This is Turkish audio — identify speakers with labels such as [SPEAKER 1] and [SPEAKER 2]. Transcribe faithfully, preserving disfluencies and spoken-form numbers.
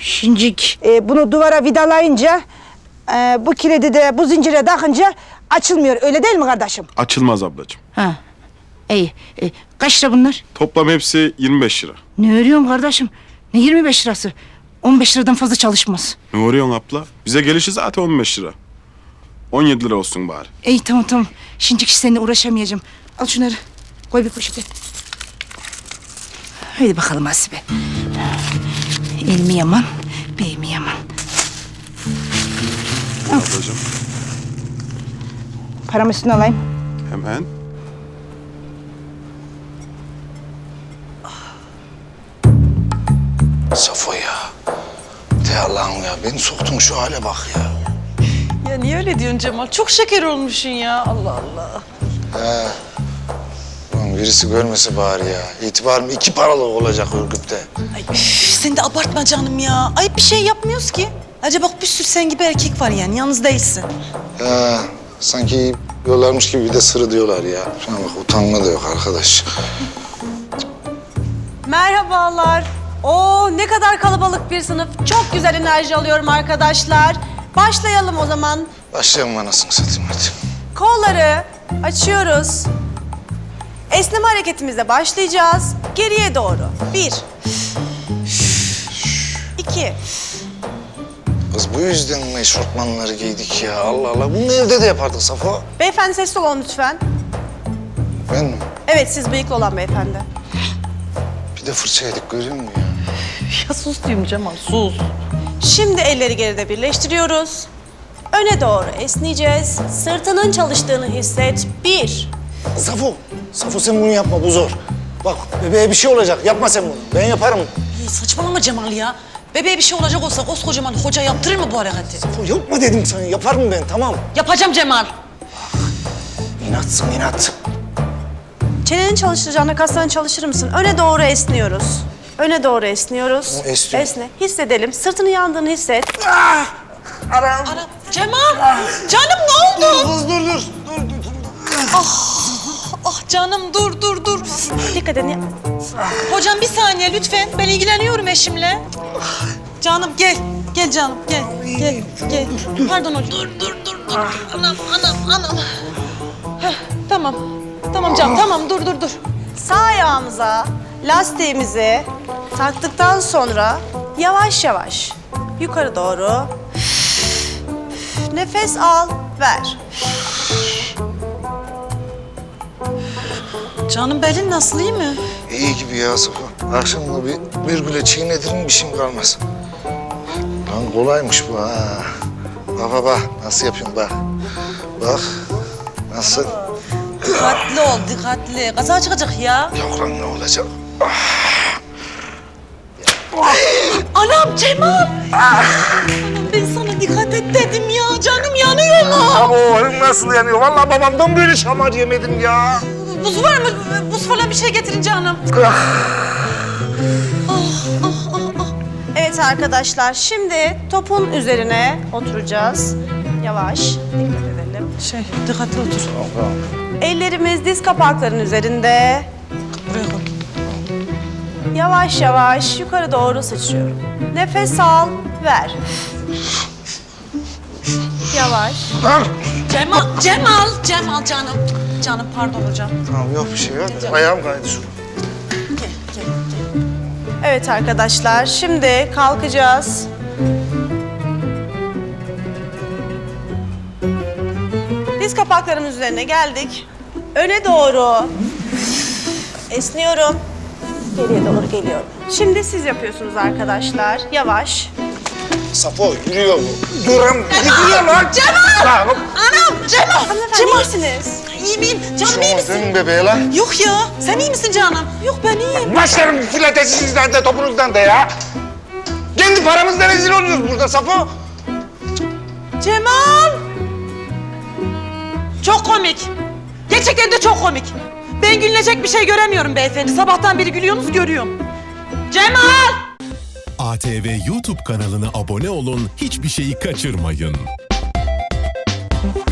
[SPEAKER 1] Şincik. Ee, bunu duvara vidalayınca, e, bu kilidi de bu zincire takınca açılmıyor. Öyle değil mi kardeşim?
[SPEAKER 2] Açılmaz ablacığım.
[SPEAKER 1] Ha. İyi. E, kaç lira bunlar?
[SPEAKER 2] Toplam hepsi yirmi beş lira.
[SPEAKER 1] Ne örüyorsun kardeşim? Ne yirmi beş lirası? on beş liradan fazla çalışmaz.
[SPEAKER 2] Ne uğruyorsun abla? Bize gelişi zaten on beş lira. on yedi lira olsun bari.
[SPEAKER 1] İyi tamam tamam. Şincik seninle uğraşamayacağım. Al şunları. Koy bir poşete. Haydi bakalım Hasibe. El mi yaman, bey mi yaman?
[SPEAKER 2] Ablacığım
[SPEAKER 1] Paramı üstüne alayım.
[SPEAKER 2] hemen.
[SPEAKER 3] Safo ya. De Allah'ım ya. Beni soktun şu hale bak ya.
[SPEAKER 4] Ya niye öyle diyorsun Cemal? Çok şeker olmuşsun ya. Allah Allah.
[SPEAKER 3] He. Ulan birisi görmese bari ya. İtibarım iki paralık olacak Ürgüp'te.
[SPEAKER 4] Ay üf, sen de abartma canım ya. Ayıp bir şey yapmıyoruz ki. Acaba bak bir sürü sen gibi erkek var yani. Yalnız değilsin.
[SPEAKER 3] He. Sanki diyorlarmış gibi bir de sırı diyorlar ya. Şuna bak utanma da yok arkadaş.
[SPEAKER 5] Merhabalar. Oo ne kadar kalabalık bir sınıf. Çok güzel enerji alıyorum arkadaşlar. Başlayalım o zaman.
[SPEAKER 3] Başlayalım anasını satayım hadi.
[SPEAKER 5] Kolları açıyoruz. Esneme hareketimizle başlayacağız. Geriye doğru. Bir. İki.
[SPEAKER 3] Kız bu yüzden mi eşortmanları giydik ya? Allah Allah. Bunu evde de yapardık Safo.
[SPEAKER 5] Beyefendi sessiz olun lütfen.
[SPEAKER 3] Ben mi?
[SPEAKER 5] Evet siz bıyıklı olan beyefendi.
[SPEAKER 3] Bir de fırça yedik görüyor musun ya?
[SPEAKER 4] Ya sus diyeyim Cemal, sus.
[SPEAKER 5] Şimdi elleri geride birleştiriyoruz. Öne doğru esneyeceğiz. Sırtının çalıştığını hisset. Bir.
[SPEAKER 3] Safo, Safo sen bunu yapma bu zor. Bak bebeğe bir şey olacak yapma sen bunu. Ben yaparım.
[SPEAKER 4] İyi, saçmalama Cemal ya. Bebeğe bir şey olacak olsa koskocaman hoca yaptırır mı bu hareketi?
[SPEAKER 3] Safo yapma dedim sana yaparım ben tamam.
[SPEAKER 4] Yapacağım Cemal.
[SPEAKER 3] İnatsın inat.
[SPEAKER 5] Çeneni çalıştıracağına kaslarını çalıştırır mısın? Öne doğru esniyoruz. Öne doğru esniyoruz.
[SPEAKER 3] Tamam, esniyorum.
[SPEAKER 5] Esne. Hissedelim. Sırtını yandığını hisset.
[SPEAKER 4] Ana, Cemal, canım ne oldu?
[SPEAKER 3] Kız dur dur. Dur dur dur.
[SPEAKER 4] Ah canım dur dur dur.
[SPEAKER 5] Dikkat edin.
[SPEAKER 4] Hocam bir saniye lütfen. Ben ilgileniyorum eşimle. Canım gel. Gel canım gel. Gel gel. Pardon hocam. Dur dur dur dur. Anam anam anam. Heh, tamam. Tamam canım tamam dur dur dur.
[SPEAKER 5] Sağ ayağımıza lastiğimizi taktıktan sonra yavaş yavaş yukarı doğru nefes al, ver.
[SPEAKER 4] Canım belin nasıl iyi mi?
[SPEAKER 3] İyi gibi ya Safo. Akşamda bir virgüle çiğnedirin bir şeyim kalmaz. Lan kolaymış bu ha. Bak bak bak nasıl yapıyorum bak. Bak nasıl.
[SPEAKER 4] Dikkatli ol dikkatli. Kaza çıkacak ya.
[SPEAKER 3] Yok lan ne olacak?
[SPEAKER 4] Anam Cemal. Anam ben sana dikkat et dedim ya. Canım yanıyor mu?
[SPEAKER 3] Ama o nasıl yanıyor? Vallahi babamdan böyle şamar yemedim ya.
[SPEAKER 4] Buz var mı? Buz falan bir şey getirin canım.
[SPEAKER 5] Evet arkadaşlar, şimdi topun üzerine oturacağız. Yavaş, dikkat edelim.
[SPEAKER 4] Şey dikkatli otur.
[SPEAKER 5] Ellerimiz diz kapaklarının üzerinde.
[SPEAKER 4] Buraya koy.
[SPEAKER 5] Yavaş yavaş yukarı doğru sıçrıyorum. Nefes al, ver. Yavaş.
[SPEAKER 4] Cemal, Cemal, Cemal canım. Canım pardon hocam.
[SPEAKER 3] Tamam yok bir şey yok. Ayağım kaydı şu.
[SPEAKER 4] Gel, gel, gel.
[SPEAKER 5] Evet arkadaşlar, şimdi kalkacağız. Diz kapaklarımız üzerine geldik. Öne doğru esniyorum. Geriye doğru geliyorum. Şimdi siz yapıyorsunuz arkadaşlar. Yavaş.
[SPEAKER 3] Safo yürüyor bu. Duram gidiyor lan.
[SPEAKER 4] Cemal!
[SPEAKER 3] Lan,
[SPEAKER 4] Anam, Cemal!
[SPEAKER 5] Hanımefendi
[SPEAKER 4] Cemal!
[SPEAKER 5] iyi misiniz?
[SPEAKER 4] İyi miyim? Canım iyi
[SPEAKER 3] Tamam
[SPEAKER 4] misin?
[SPEAKER 3] dön bebeğe lan.
[SPEAKER 4] Yok ya, sen iyi misin canım? Yok ben iyiyim.
[SPEAKER 3] Başlarım filatesinizden de topunuzdan da ya. Kendi paramızla rezil oluyoruz burada Safo.
[SPEAKER 4] Cemal! Çok komik. Gerçekten de çok komik. Ben gülünecek bir şey göremiyorum beyefendi. Sabahtan beri gülüyorsunuz, görüyorum. Cemal!
[SPEAKER 6] A T V YouTube kanalına abone olun, hiçbir şeyi kaçırmayın.